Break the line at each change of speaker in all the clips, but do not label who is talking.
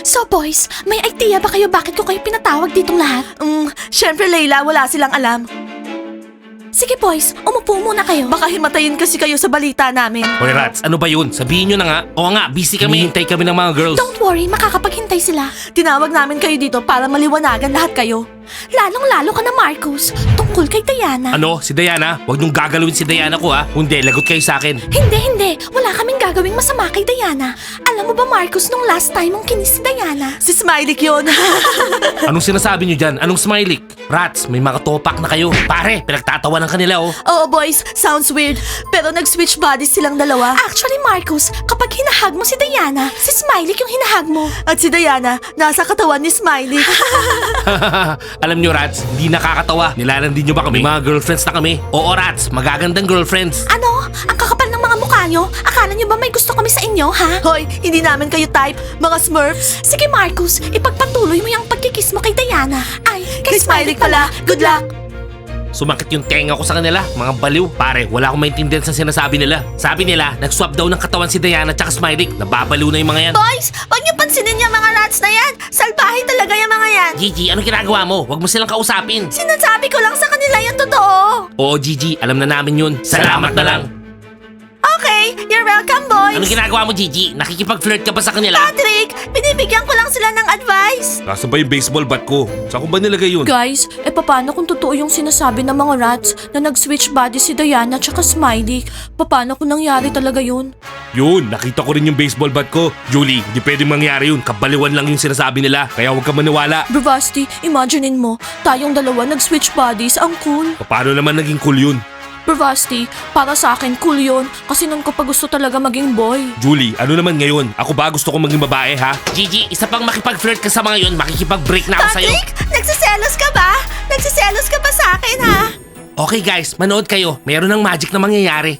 So boys, may idea ba kayo bakit ko kayo pinatawag ditong lahat?
Syempre Layla, wala silang alam.
Sige boys, umupo muna kayo.
Baka himatayin kasi kayo sa balita namin.
Hoy Rats, ano ba yun? Sabihin nyo na nga. Oo nga, busy kami. Hinihintay kami ng mga girls.
Don't worry, makakapaghintay sila.
Tinawag namin kayo dito para maliwanagan lahat kayo.
Lalong-lalo ka na Marcus, tungkol kay Diana.
Ano? Si Diana? Huwag niyong gagalawin si Diana ko ha. Hindi, lagot kayo sa akin.
Hindi. Wala kaming gagawing masama kay Diana. Alam mo ba Marcus, nung last time mong kinis si Diana?
Si Smiley yun.
Anong sinasabi niyo dyan? Anong smiley? Rats, may mga topak na kayo. Pare, pinagtatawanan ka nila oh.
Oo boys, sounds weird. Pero nag-switch bodies silang dalawa.
Actually Marcus, kapag hinahag mo si Diana, si Smiley yung hinahag mo.
At si Diana, nasa katawan ni Smiley.
Alam niyo Rats, hindi nakakatawa. Nilalandi niyo ba kami? May mga girlfriends na kami. Oo Rats, magagandang girlfriends.
Ano? Ang kakapal ng mga mukha nyo? Akala nyo ba may gusto kami sa inyo, ha?
Hoy, hindi namin kayo type, mga Smurfs.
Sige Marcus, ipagpatuloy mo yung pagkikis mo kay Diana. Ay,
Kay Smiley pala, good luck.
Sumakit yung tenga ko sa kanila, mga baliw. Pare, wala akong maintindihan sa sinasabi nila. Sabi nila, nag-swap daw ng katawan si Diana at Smiley. Nababaliw na yung mga yan.
Boys, wag niyo pansinin yung mga rats na yan. Salbahe talaga yung mga yan.
Gigi, anong ginagawa mo? Huwag mo silang kausapin.
Sinasabi ko lang sa kanila yung totoo.
Oo Gigi, alam na namin yun. Salamat na lang.
Okay, you're welcome boys.
Anong ginagawa mo Gigi? Nakikipag-flirt ka ba sa kanila?
Patrick, binibigyan ko lang sila ng advice.
Nasaan ba yung baseball bat ko? Saan ko ba nilagay yun?
Guys, paano kung totoo yung sinasabi ng mga rats na nag-switch body si Diana at Smiley? Paano kung nangyari talaga yun?
Yun, nakita ko rin yung baseball bat ko. Julie, hindi pwedeng mangyari yun. Kabaliwan lang yung sinasabi nila. Kaya huwag ka maniwala.
Bravasti, imaginein mo, tayong dalawa nag-switch bodies, ang cool.
Paano naman naging cool yun?
Bravasti, para sa akin cool yun kasi nun ko pa gusto talaga maging boy.
Julie, ano naman ngayon? Ako ba gusto ko maging babae ha? Gigi, isa pang makipag-flirt ka sa mga yun, makikipag-break na ako sa'yo.
Patrick, nagsiselos ka ba? Nagsiselos ka ba sa akin ha?
Okay guys, manood kayo. Mayroon ng magic na mangyayari.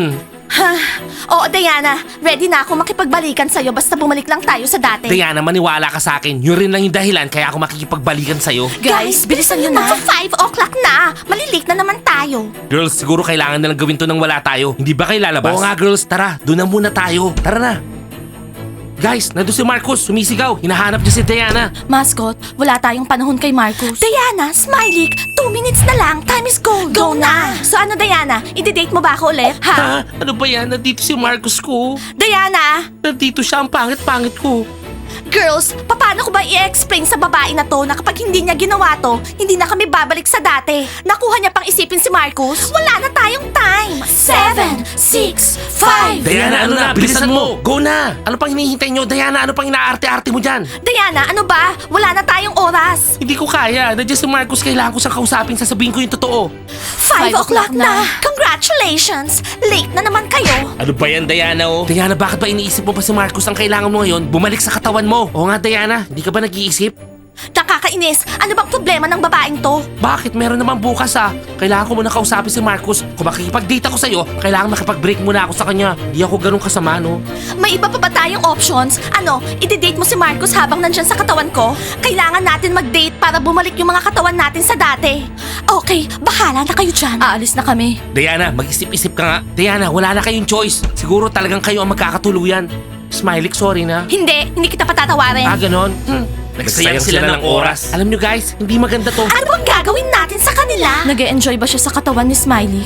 Oo Diana, ready na ako makipagbalikan sa'yo basta bumalik lang tayo sa dati.
Diana, maniwala ka sa akin. Yun rin lang yung dahilan kaya ako makikipagbalikan sa'yo.
Guys, bilisan nyo na.
Magpa 5 o'clock na. Malilate na naman tayo.
Girls, siguro kailangan na lang gawin to nang wala tayo. Hindi ba kayo lalabas? Oo nga girls, tara. Doon na muna tayo. Tara na. Guys, nandun si Marcus, sumisigaw. Hinahanap niya si Diana.
Mascot, wala tayong panahon kay Marcus.
Diana, Smiley, 2 minutes na lang. Time is gold. Go na. So ano Diana, i-date mo ba ako ulit? Ha?
Ha? Ano ba yan? Nandito si Marcus ko.
Diana!
Nandito siya, ang pangit-pangit ko.
Girls, paano ko ba i-explain sa babae na to na kapag hindi niya ginawa to, hindi na kami babalik sa dati? Nakuha niya pang isipin si Marcus? Wala na tayong time! 7, 6, 5...
Diana, ano na? Bilisan mo! Go na! Ano pang hinihintay nyo? Diana, ano pang inaarte-arte mo dyan?
Diana, ano ba? Wala na tayong oras!
Hindi ko kaya. Nandiyan si Marcus, kailangan ko siyang kausapin. Sasabihin ko yung totoo.
5 o'clock na! Congratulations! Late na naman kayo!
Ano ba yan, Diana, oh? Diana, bakit ba iniisip mo pa si Marcus ang kailangan mo ngayon? Bumalik sa katawan mo. Oo nga, Diana. Hindi ka ba nag-iisip?
Nakakainis! Ano bang problema ng babaeng to?
Bakit? Meron naman bukas ah. Kailangan ko muna kausapin si Marcus. Kung makikipag-date ako sa'yo, kailangan makipag-break muna ako sa kanya. Hindi ako ganun kasama, no?
May iba pa ba tayong options? Ano, i-date mo si Marcus habang nandyan sa katawan ko? Kailangan natin mag-date para bumalik yung mga katawan natin sa dati. Okay, bahala na kayo dyan.
Aalis na kami.
Diana, mag-isip-isip ka nga. Diana, wala na kayong choice. Siguro talagang kayo ang magkakatuluyan. Smiley, sorry na.
Hindi kita patatawarin.
Ganon? Nagsayang sila ng oras. Alam nyo guys, hindi maganda to.
Ano bang gagawin natin sa kanila?
Nag-e-enjoy ba siya sa katawan ni Smiley?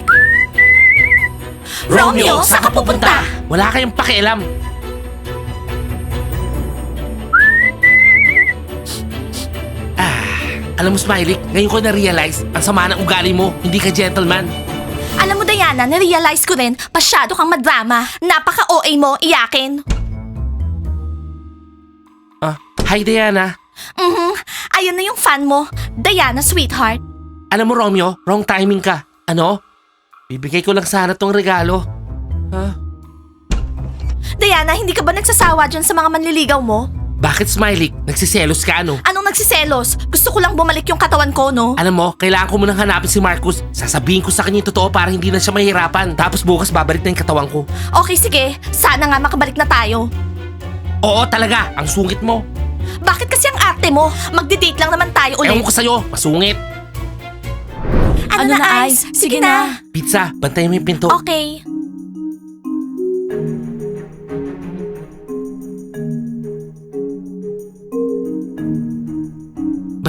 Romeo, saan ka pupunta?
Wala kayong pakialam. Alam mo Smiley, ngayon ko na-realize ang sama ng ugali mo. Hindi ka gentleman.
Alam mo Diana, na-realize ko rin, pasyado kang madrama. Napaka-OA mo, iyakin.
Hi Diana.
Ayun na yung fan mo. Diana, sweetheart.
Alam mo Romeo, wrong timing ka. Ano? Bibigay ko lang sana tong regalo.
Diana, hindi ka ba nagsasawa dyan sa mga manliligaw mo?
Bakit Smiley? Nagsiselos ka ano?
Anong nagsiselos? Gusto ko lang bumalik yung katawan ko, no?
Alam mo, kailangan ko munang hanapin si Marcus. Sasabihin ko sa kanya yung totoo para hindi na siya mahirapan. Tapos bukas babalik na yung katawan ko.
Okay, sige. Sana nga makabalik na tayo.
Oo talaga, ang sungit mo.
Bakit kasi ang arte mo? Magdi-date lang naman tayo ulit.
Ewan ko sa'yo, masungit.
Ano na, Ice? Sige na.
Pizza, bantayan mo yung pinto.
Okay.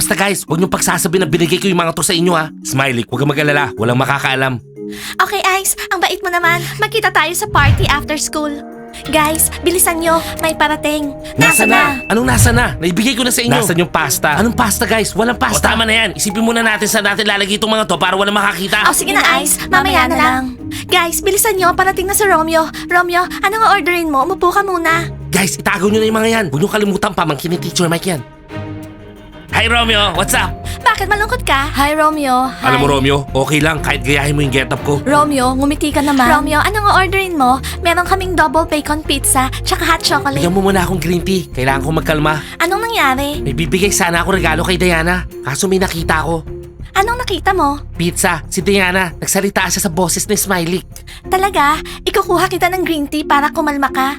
Basta guys, huwag niyong pagsasabi na binigay ko yung mga to sa inyo ha. Smiley, huwag kang mag-alala. Walang makakaalam.
Okay, Ice. Ang bait mo naman. Magkita tayo sa party after school. Guys, bilisan nyo. May parating.
Nasa na? Anong nasa na? Naibigay ko na sa inyo. Nasaan yung pasta? Anong pasta guys? Walang pasta. O tama na yan. Isipin muna natin saan natin lalagay itong mga to para walang makakita.
Oh, sige na, Ice. Mamaya na lang. Guys, bilisan nyo. Parating na si Romeo. Romeo, anong orderin mo? Umupo ka muna.
Guys, itago nyo na yung mga yan. Huwag nyo kalimutan pamangkin ni Teacher Mike yan. Hi Romeo, what's up?
Bakit malungkot ka?
Hi, Romeo. Hi.
Alam mo Romeo, okay lang kahit gayahin mo yung getup ko.
Romeo, ngumiti ka naman.
Romeo, anong orderin mo? Meron kaming double bacon pizza, tsaka hot chocolate.
Bigyan mo muna akong green tea. Kailangan ko magkalma.
Anong nangyari?
May bibigay sana ako regalo kay Diana. Kaso may nakita ko.
Anong nakita mo?
Pizza, si Diana. Nagsalita siya sa boses ni Smiley.
Talaga? Ikukuha kita ng green tea para kumalma ka?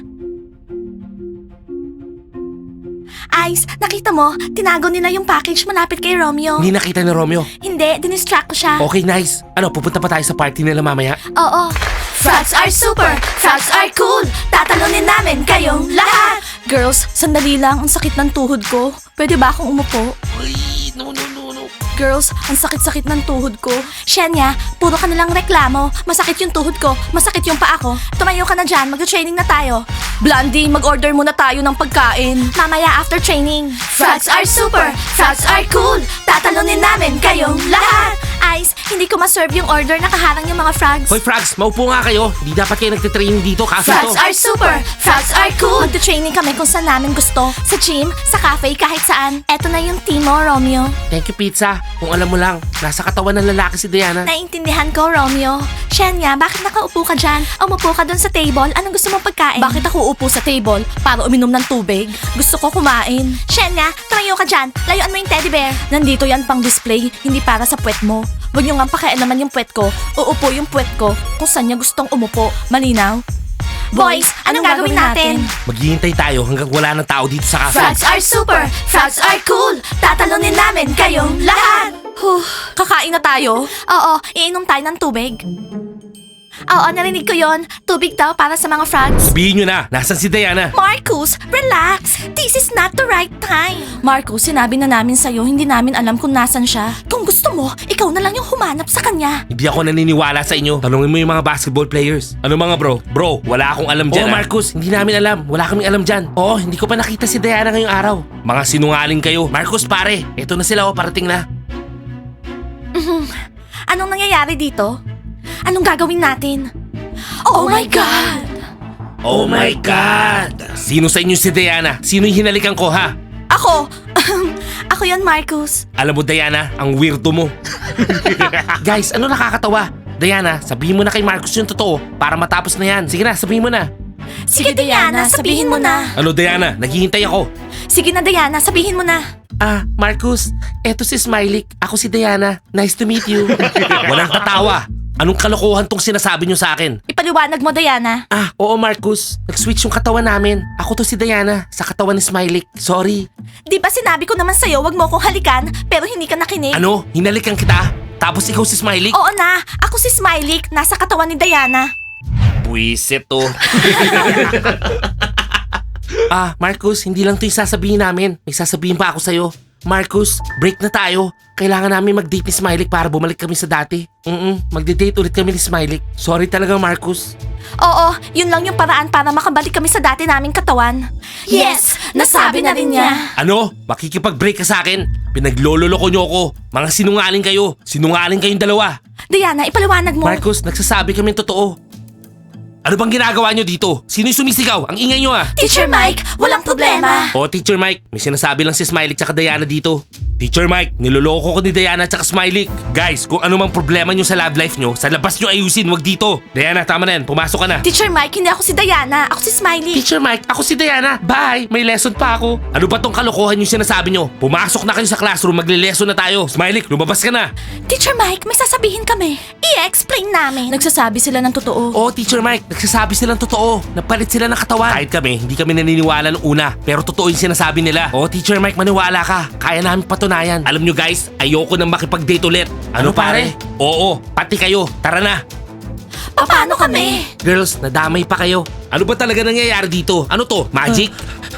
Ice, nakita mo? Tinago nila yung package malapit kay Romeo.
Hindi nakita ni Romeo.
Hindi, dinistract ko siya.
Okay, nice. Ano, pupunta pa tayo sa party nila mamaya?
Oo. Frogs are super! Frogs are cool! Tatalunin namin kayong lahat!
Girls, sandali lang. Ang sakit ng tuhod ko. Pwede ba akong umupo?
Uy, no.
Girls, ang sakit-sakit ng tuhod ko.
Shenya, puro ka nalang reklamo. Masakit yung tuhod ko, masakit yung paa ko. Tumayo ka na dyan, mag-training na tayo.
Blondie, mag-order muna tayo ng pagkain.
Mamaya after training. Frogs are super! Frogs are cool! Tatalunin namin kayong lahat! Ice, hindi ko ma-serve yung order na kaharang yung mga frogs.
Hoy, Frogs, maupo nga kayo. Hindi dapat kayo nagtitraining dito. Kaso
Frogs
to.
are super! Frogs are cool! Magta-training kami kung saan namin gusto. Sa gym, sa cafe, kahit saan. Eto na yung team mo, Romeo.
Thank you, pizza. Kung alam mo lang, nasa katawan ng lalaki si Diana.
Naiintindihan ko, Romeo. Shenya, bakit nakaupo ka dyan? Umupo ka dun sa table. Anong gusto mong pagkain?
Bakit ako upo sa table para uminom ng tubig? Gusto ko kumain.
Shenya, tumayo ka dyan. Layuan mo yung teddy bear.
Nandito yan pang display, hindi para sa puwet mo. Huwag niyo nga pakialaman yung puwet ko. Uupo yung puwet ko kung saan niya gustong umupo. Malinaw?
Boys, anong gagawin natin?
Maghihintay tayo hanggang wala ng tao dito sa cafe.
Frogs are super! Frogs are cool! Tatalunin namin kayong lahat!
Huh, kakain na tayo?
Oo, iinom tayo ng tubig. Oo, narinig ko yon. Tubig daw para sa mga frogs.
Sabihin nyo na, nasan si Diana?
Marcus, relax. This is not the right time.
Marco, sinabi na namin sa'yo, hindi namin alam kung nasan siya.
Kung gusto mo, ikaw na lang yung humanap sa kanya.
Hindi ako naniniwala sa inyo. Tanungin mo yung mga basketball players. Ano mga bro? Bro, wala akong alam dyan. Oo, Marcus, hindi namin alam. Wala kaming alam dyan. Oo, hindi ko pa nakita si Diana ngayong araw. Mga sinungaling kayo. Marcus, pare, eto na sila parating na.
Anong nangyayari dito? Anong gagawin natin? Oh my God!
Oh my God! Sino sa inyo si Diana? Sino yung hinalikan ko, ha?
Ako! Ako yon, Marcus.
Alam mo, Diana, ang weirdo mo. Guys, ano nakakatawa? Diana, sabihin mo na kay Marcus yung totoo para matapos na yan. Sige na, sabihin mo na.
Sige, Diana, sabihin mo na.
Ano, Diana? Naghihintay ako.
Sige na, Diana, sabihin mo na.
Marcus, eto si Smiley. Ako si Diana. Nice to meet you. Walang tatawa. Anong kalokohan tong sinasabi nyo sa akin?
Ipaliwanag mo, Diana.
Oo Marcus. Nag-switch yung katawan namin. Ako to si Diana, sa katawan ni Smiley. Sorry.
Di ba sinabi ko naman sa'yo, wag mo akong halikan, pero hindi ka nakinig?
Ano? Hinalikan kita? Tapos ikaw si Smiley?
Oo na, ako si Smiley, nasa katawan ni Diana.
Buisit to. Marcus, hindi lang to yung sasabihin namin. May sasabihin pa ako sa'yo. Marcus, break na tayo. Kailangan namin mag-date ni Smiley para bumalik kami sa dati. Magde-date ulit kami ni Smiley. Sorry talaga, Marcus.
Oo, yun lang yung paraan para makabalik kami sa dati naming katawan. Yes, nasabi na rin niya.
Ano? Makikipag-break ka sa akin? Pinaglololoko nyo ako. Mga sinungaling kayo. Sinungaling kayong dalawa.
Diana, ipaliwanag mo.
Marcus, nagsasabi kami totoo. Ano bang ginagawa nyo dito? Sino yung sumisigaw? Ang ingay nyo
Teacher Mike, walang problema.
Teacher Mike, may sinasabi lang si Smiley tsaka Diana dito. Teacher Mike, niloloko ko ni Diana tsaka Smiley. Guys, kung ano mang problema nyo sa love life nyo, sa labas nyo ayusin, wag dito. Diana, tama na yan. Pumasok ka na.
Teacher Mike, hindi ako si Diana. Ako si Smiley.
Teacher Mike, ako si Diana. Bye! May lesson pa ako. Ano ba tong kalokohan yung sinasabi nyo? Pumasok na kayo sa classroom, magle-lesson na tayo. Smiley, lumabas ka na.
Teacher Mike, may sasabihin kami. I-explain namin.
Nagsasabi sila ng totoo.
Oo, Teacher Mike, nagsasabi silang totoo. Napalit sila ng katawan. Kahit kami, hindi kami naniniwala nung una. Pero totoo yung sinasabi nila. Teacher Mike, maniwala ka. Kaya namin patunayan. Alam nyo guys, ayoko nang makipag-date ulit. Ano pare? Oo, pati kayo. Tara na.
Paano kami?
Girls, nadamay pa kayo. Ano ba talaga nangyayari dito? Ano to? Magic?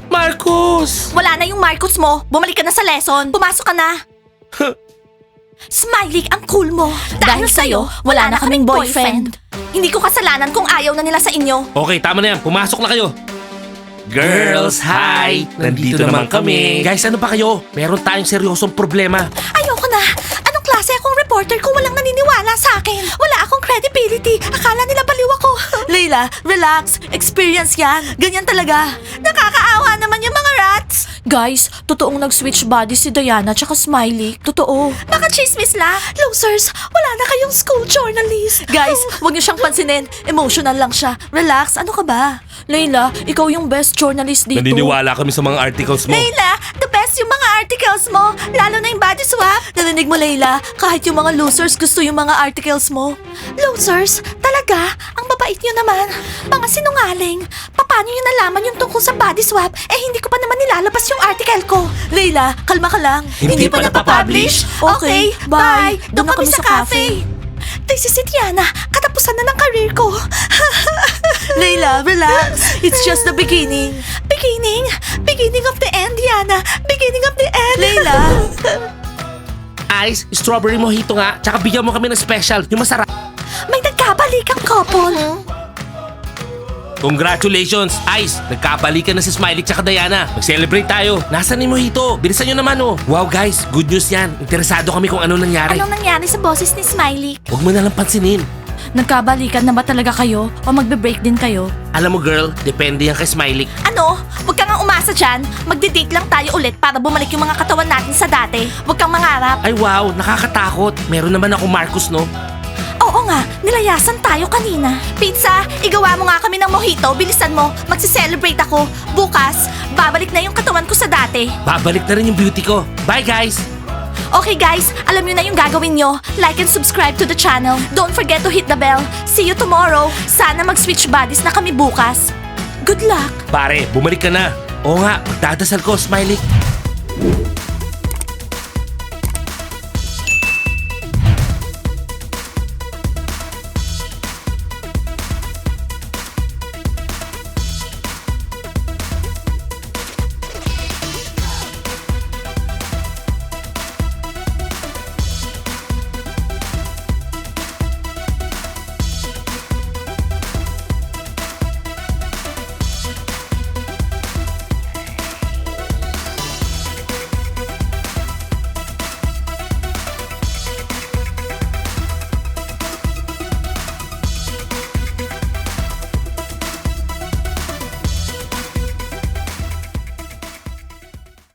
Marcus!
Wala na yung Marcos mo. Bumalik ka na sa lesson. Pumasok ka na. Smiley, ang cool mo. Dahil sa'yo, wala na kaming boyfriend. Hindi ko kasalanan kung ayaw na nila sa inyo.
Okay, tama na yan. Pumasok na kayo. Girls, hi! Nandito naman kami. Guys, ano ba kayo? Meron tayong seryosong problema.
Ayoko na. Anong klase akong reporter kung walang naniniwala sa akin? Wala akong credibility. Akala nila baliw ako.
Layla, relax. Experience yan. Ganyan talaga.
Nakakaawa naman yung mga rats.
Guys, totoong nag-switch body si Diana tsaka Smiley. Totoo.
Baka chismis lang. Losers, wala na kayong school journalist.
Guys, huwag niyo siyang pansinin. Emotional lang siya. Relax, ano ka ba? Layla, ikaw yung best journalist dito.
Naniniwala kami sa mga articles mo.
Layla, the best yung mga articles mo. Lalo na yung body swap.
Narinig mo, Layla? Kahit yung mga losers gusto yung mga articles mo.
Losers? Talaga? Ang babait nyo naman. Mga sinungaling. Paano nyo nalaman yung tungkol sa body swap? Eh hindi ko pa naman nilalabas yung article ko.
Layla, kalma ka lang.
Hindi pa napapublish?
Okay, bye.
Doon kami sa cafe. This is it, Yana. Katapusan na ng career ko.
Layla, relax. It's just the beginning.
Beginning? Beginning of the end, Yana. Beginning of the end.
Layla.
Ice, strawberry mojito nga. Tsaka bigyan mo kami ng special. Yung masarap.
May nagkabalikang couple.
Congratulations, Ice! Nagkabalikan na si Smiley tsaka Diana. Mag-celebrate tayo. Nasaan yung mojito? Bilisan nyo naman oh. Wow guys, good news yan. Interesado kami kung ano nangyari.
Anong nangyari sa boses ni Smiley?
Huwag mo nalang pansinin.
Nagkabalikan na ba talaga kayo? O magbe-break din kayo?
Alam mo girl, depende yan kay Smiley.
Ano? Huwag kang nga umasa dyan. Magde-date lang tayo ulit para bumalik yung mga katawan natin sa dati. Huwag kang mangarap.
Ay wow, nakakatakot. Meron naman ako Marcus no?
Oo nga, nilayasan tayo kanina. Pizza, igawa mo nga kami ng mojito. Bilisan mo, magsi-celebrate ako. Bukas, babalik na yung katawan ko sa dati.
Babalik na rin yung beauty ko. Bye guys!
Okay guys, alam nyo na yung gagawin nyo. Like and subscribe to the channel. Don't forget to hit the bell. See you tomorrow. Sana mag-switch bodies na kami bukas. Good luck!
Pare, bumalik ka na. Oo nga, magdadasal ko, Smiley.